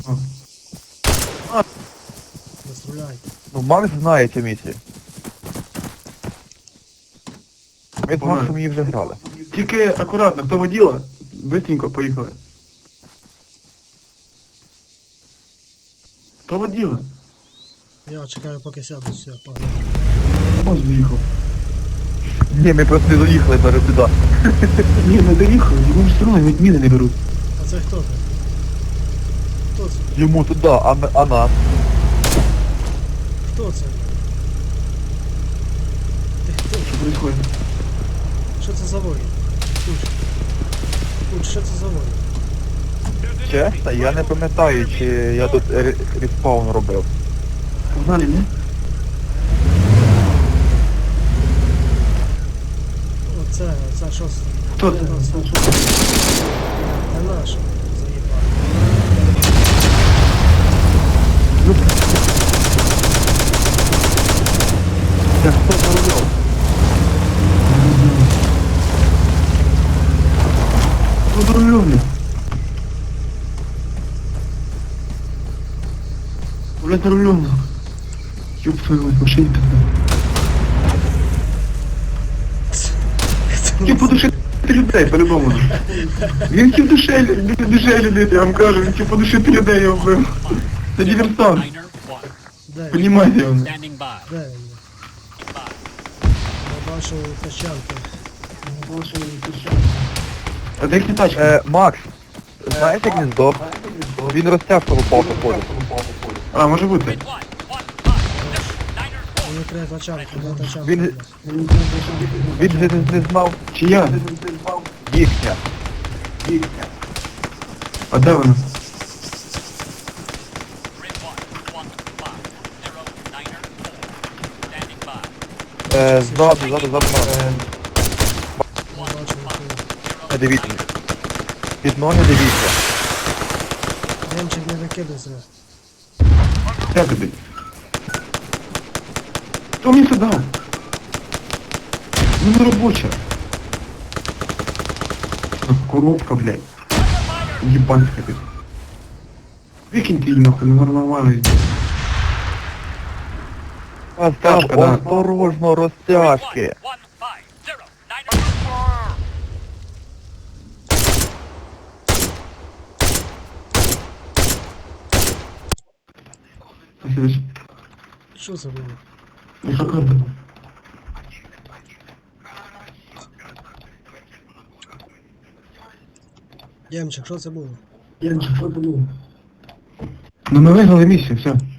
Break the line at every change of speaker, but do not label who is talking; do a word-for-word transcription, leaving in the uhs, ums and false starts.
Не стріляй.
Ну, Макс знає цю місію. Ми з Максом її вже грали.
Тільки акуратно, хто воділа, быстренько поїхали. Хто воділа?
Я чекаю, поки сяду, все, погнали.
Ось виїхав.
Ні, ми просто не доїхали навіть туди.
Ні, не доїхав, йому ж все одно навіть міни не беруть.
А це хто ти? Хто це?
Йому туди, а, ми- а нас.
Хто це? Ти хто?
Що происходит?
Що це за воїн? Куч. Куч, що це за воїн?
Чесно, я не пам'ятаю, чи я тут ре- респаун робив.
Погнали, ні?
Оце, оце що це?
Хто це?
Це наш. Заїбав.
Це хто за рулем?
Хто за рулем? Блядь, за рулем. Ёб твою мать, машине тогда. Хотів подушити людей, по-любому. Він хотів душелі, людей, я вам кажу, він хотів подушити людей, я вбив. Це диверсант,
Де він?
понімаєте його?
Standing by.
Де він? Я бачу тачанки.
А де їхня тачка?
Е, Макс, знаєте гніздо? Він розтяжку попав походу.
А, може бути.
One, one, five. Niner
Мені треба тачанки, де тачанки?
Він, він же не, не знав
Чи я?
їхня.
А де вона?
Grid one, one, five. Zero, niner, four. Standing by.
Е, ззаду, ззаду, ззаду. Е,
Я бачу, які.
не дивіться. Під ноги дивіться.
Демчик не викидайся.
Де тобі? Хто мені це дав? Ну не робоча. Коробка, блядь. Ебанська ти. Викиньте її нахуй, не нормально.
Остап,
Тяжко, да.
осторожно, розтяжки.
One, five. Zero, niner, four.
Спасибо.
Що це було?
Яка карта?
Демчик, що це було?
Я не що було. Ну ми виграли місію, все.